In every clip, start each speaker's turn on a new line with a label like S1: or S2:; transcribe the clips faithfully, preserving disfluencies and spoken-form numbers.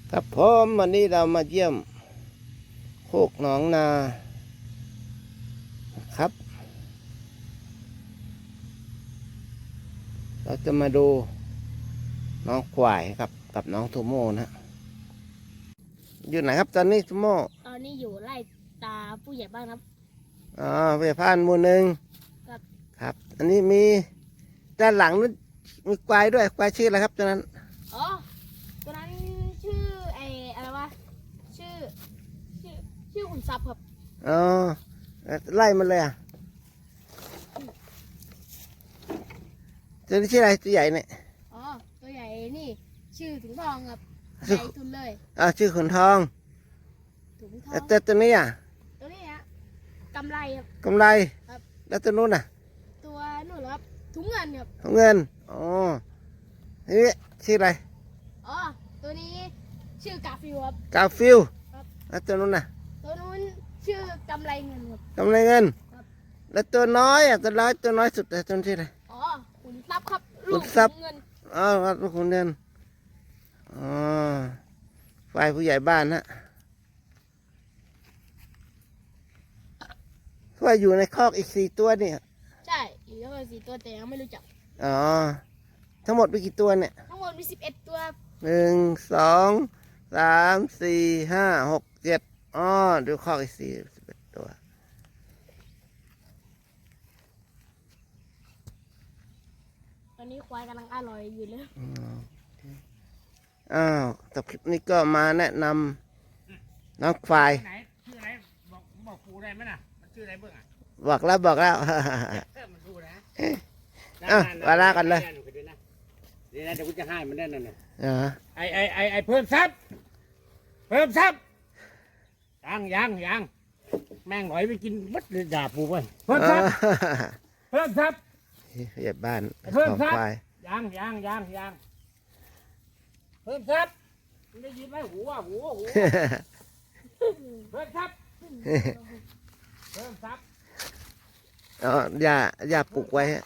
S1: ครับผมวันนี้เรามาเยี่ยมโคกหนองนาครับเราจะมาดูน้องควายครับกับน้องทูโม่นะอยู่ไหนครับตอนนี้ทูโม่
S2: ตอนนี้อยู่ไล่ตาผู้ใหญ่บ้านครับ
S1: อ๋อเพื่อพานหมู่หนึ่ง
S2: ครับ
S1: ครับอันนี้มีด้านหลังนู้นมีควายด้วยควายชื่ออะไรครับตอนนั้น
S2: อ๋อตัวนั้นชื่อไออะไรวะชื่อชื่อชื่อขุนทรัพย์ครับ
S1: อ๋อไล่มันเลยอ่ะตัวนี้ชื่ออะไรตัวใหญ่เนี่ย
S2: อ๋อตัวใหญ่นี่ชื่อถุงทองครับใหญ่ทุนเลย
S1: อ่าชื่อขุนทอง
S2: ถุงทอง
S1: แต่ตัวนี้อ่ะ
S2: ตัวนี้ฮะกำไรครับ
S1: กำไร
S2: ครับ
S1: แล้วตัวนู้นอ่ะ
S2: ตัวนู่นเหรอครับถุงเงินครับ
S1: ถุงเงินอ๋อนี่ชื่ออะไร
S2: อ๋อตัวนี้ชื่อกาฟิวครับ
S1: กาฟิล
S2: ครับ
S1: แล้วตัวนู้นน่ะ
S2: ตัวนู้นชื่อกำไรเงินครับ
S1: กำไรเงิน
S2: ครับ
S1: แล้วตัวน้อยอ่ะตัวน้อยตัวน้อยสุดแต่ตัวนี้ชื่ออะไร
S2: อ๋อขุนทรัพย์ครับ
S1: ขุ
S2: ลูก
S1: นทรัพย์
S2: เงิน
S1: อ๋อลูกขุนเงินอ๋อฝ่ายผู้ใหญ่บ้านนะว่าอยู่ในคอกอีกสี่ตัวนี่
S2: ใช่อยู่ทั้งหมดสี่ตัวแต่ยังไม่รู้จัก
S1: อ๋อทั้งหมดมีกี่ตัวเนี่ย
S2: ทั้งหมดมีสิบเอ็ดตัว
S1: หนึ่งสองสามสี่ห้าหกเจ็ดอ๋อดูคอกอีกสี่สิบเอ็ดตัว
S2: ตอนนี้ควายกำลังอร่อยอยู่เลย
S1: อ้าวแต่คลิปนี้ก็มาแนะนำน้องควาย
S3: ไหนชื่ออะไรบอกบอกครูได้ไหมน่ะมันชื่ออะไรเบื้องอ่ะ
S1: บอกแล้วบอกแล้ว
S3: มันครูนะ
S1: อ่ะวาระกันเลย
S3: เดี๋ยวนะเดี๋ยวกูจะให้มันได้นั่นน่ะ
S1: อ๋อ
S3: ไอไอไอไอเพิ่มทรัพย์เพิ่มทรัพย์ยังยังยังแม่งหน่อยไปกินมัดเลยด่าปูไปเพิ่มทรัพย์เพิ่มทรัพย์
S1: เหยียบบ้าน
S3: เพิ่มทรัพย์
S1: ควาย
S3: ยังยังยังยังเพิ่มทรัพย์มันได้ยินไหมหูอ่ะหูหูเพิ่มทรัพย์เพิ่มทรัพย์
S1: อ๋ออย่าอย่าปลูกไว้ฮะ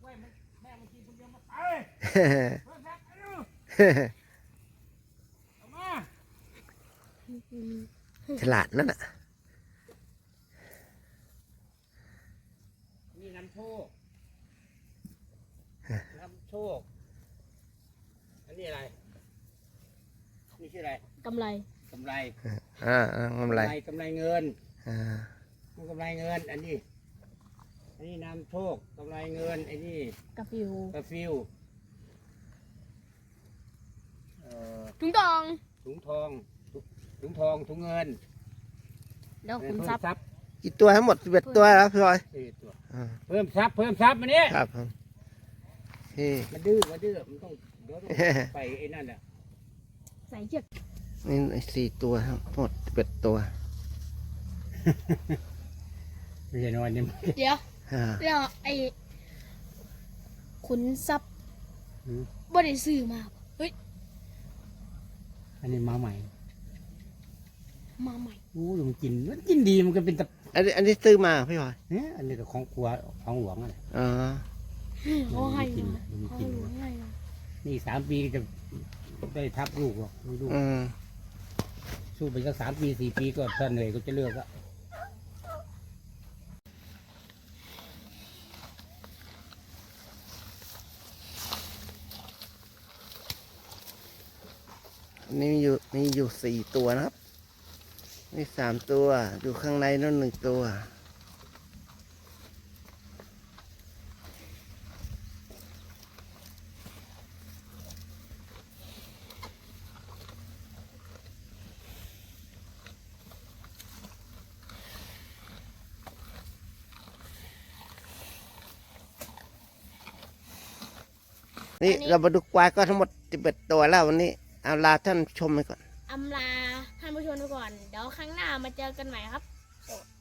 S1: ฉลาดนั่นน่ะ
S3: นี่นำโชคนำโชคอันนี้อะไรนี่ชื่ออะไร
S2: กำไร
S3: กำไร
S1: อ่ากำไร
S3: กำไรเงิน
S1: อ่
S3: ากำไรเงินอันนี้อันนี้นำโชคกำไรเงินไอ้นี่
S2: กาฟิว
S3: กาฟิว
S2: ถุงทอง
S3: ถุงทองถุงทองถุงเงิน
S2: แล้วขุนทรัพย์
S1: กี่ตัวทั้งหมดสิบเอ็ดตัวแล้วพี่บอย
S3: เพิ่มทรัพย์เพิ่มทรัพย์มาเนี้ย
S1: ครับผม
S3: มันดื้อมันดื้อมันต้องเดี๋ยวไปไอ้นั่นอ่ะ
S2: ใส่เชือก
S1: นี่สี่ตัวทั้งหมดสิบเอ็ดตัว
S3: ไม่ใช่น้อยนี่
S2: เดี๋ยวเดี๋ยวไอ้ขุนทรัพย์บ่ได้ซื้อมาเฮ้ย
S3: อันนี้มาใหม่
S2: มาใหม่
S3: โอ้ยมันกินมันกินดีมันก็เป็นตะ
S1: อันนี้อันนี้ซื้อมาพี่บอย
S3: เนี่ยอันนี้ก็ของครัวของหลวงอะไร
S1: อ๋อ
S2: เขาให้
S3: กินมันกินนี่สามปีจะได้ทับลูกหรอกไม่ลูกสู้ไปสักสามปีสี่ปีก็ถ้าเหนื่อยก็จะเลิกละ
S1: นี่มีอยู่มีอยู่สี่ตัวนะครับนี่สามตัวอยู่ข้างในนั่นหนึ่งตัวนี่เรามาดูควายก็ทั้งหมดสิบเอ็ดตัวแล้ววันนี้เอาลาท่านชมไปก่อน
S2: อำลาท่านผู้ชมไปก่อนเดี๋ยวครั้งหน้ามาเจอกันใหม่ครับ